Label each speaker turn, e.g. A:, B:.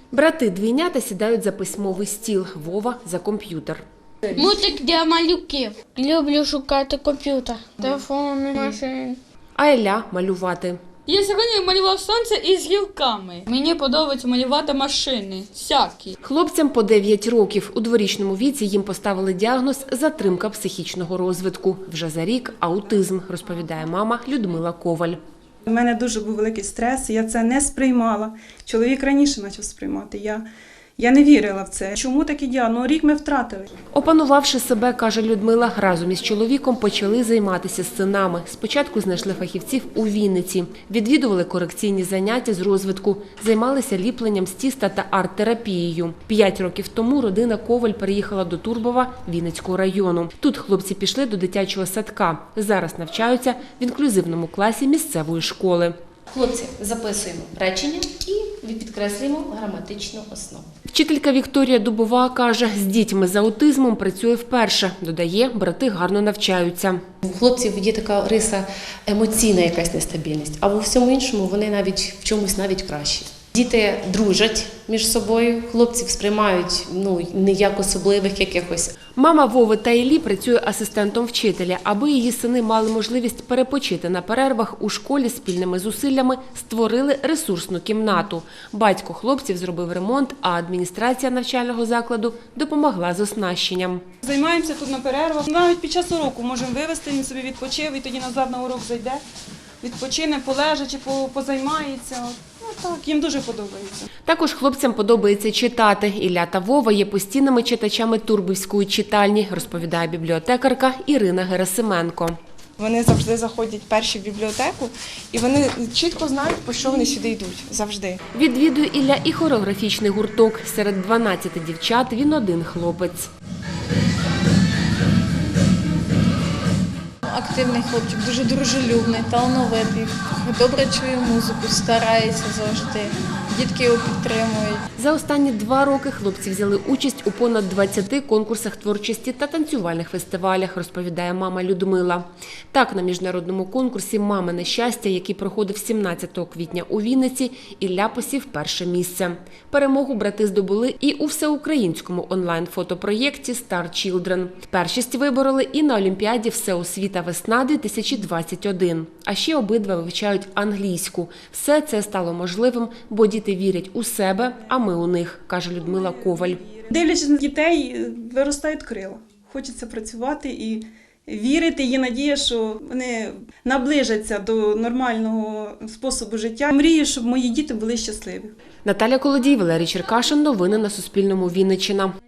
A: Брати-двійнята сідають за письмовий стіл, Вова – за комп'ютер.
B: Мультик для малюків. Люблю шукати комп'ютер, телефони, машини.
A: А Ілля – малювати.
C: Я сьогодні малював сонце із гілками. Мені подобається малювати машини, всякі.
A: Хлопцям по 9 років. У дворічному віці їм поставили діагноз – затримка психічного розвитку. Вже за рік – аутизм, розповідає мама Людмила Коваль.
D: У мене дуже був великий стрес, я це не сприймала. Чоловік раніше почав сприймати. Я не вірила в це. Чому такий діагноз? Рік ми втратили.
A: Опанувавши себе, каже Людмила, разом із чоловіком почали займатися з синами. Спочатку знайшли фахівців у Вінниці. Відвідували корекційні заняття з розвитку. Займалися ліпленням з тіста та арт-терапією. 5 років тому родина Коваль переїхала до Турбова Вінницького району. Тут хлопці пішли до дитячого садка. Зараз навчаються в інклюзивному класі місцевої школи.
E: Хлопці, записуємо речення і підкреслюємо граматичну основу.
A: Вчителька Вікторія Дубова каже, з дітьми з аутизмом працює вперше. Додає, брати гарно навчаються.
E: У хлопців є така риса емоційна якась нестабільність, а у всьому іншому вони навіть в чомусь навіть кращі. Діти дружать між собою, хлопців сприймають не як особливих якихось.
A: Мама Вови та Іллі працює асистентом вчителя. Аби її сини мали можливість перепочити на перервах, у школі спільними зусиллями створили ресурсну кімнату. Батько хлопців зробив ремонт, а адміністрація навчального закладу допомогла з оснащенням.
D: Займаємося тут на перервах. Навіть під час уроку можемо вивезти, він собі відпочив і тоді назад на урок зайде. Відпочине, полежачи, позаймається. Так, їм дуже подобається.
A: Також хлопцям подобається читати. Ілля та Вова є постійними читачами Турбівської читальні, розповідає бібліотекарка Ірина Герасименко.
F: Вони завжди заходять перші в бібліотеку і вони чітко знають, по що вони сюди йдуть. Завжди.
A: Відвідує Ілля і хореографічний гурток. Серед 12 дівчат він один хлопець.
G: Активний хлопчик, дуже дружелюбний, талановитий, добре чує музику, старається завжди. Дітки його підтримують.
A: За останні 2 роки хлопці взяли участь у понад 20 конкурсах творчості та танцювальних фестивалях, розповідає мама Людмила. Так, на міжнародному конкурсі «Мамине щастя», який проходив 17 квітня у Вінниці, Ілля посів перше місце. Перемогу брати здобули і у всеукраїнському онлайн-фотопроєкті «Star Children». Першість вибороли і на Олімпіаді «Всеосвіта весна-2021». А ще обидва вивчають англійську. Все це стало можливим, бо діти вірять у себе, а ми у них, каже Людмила Коваль.
D: Дивлячись на дітей, виростають крила. Хочеться працювати і вірити. Є надія, що вони наближаться до нормального способу життя. Мрію, щоб мої діти були щасливі.
A: Наталя Колодій, Валерій Черкашин. Новини на Суспільному. Вінниччина.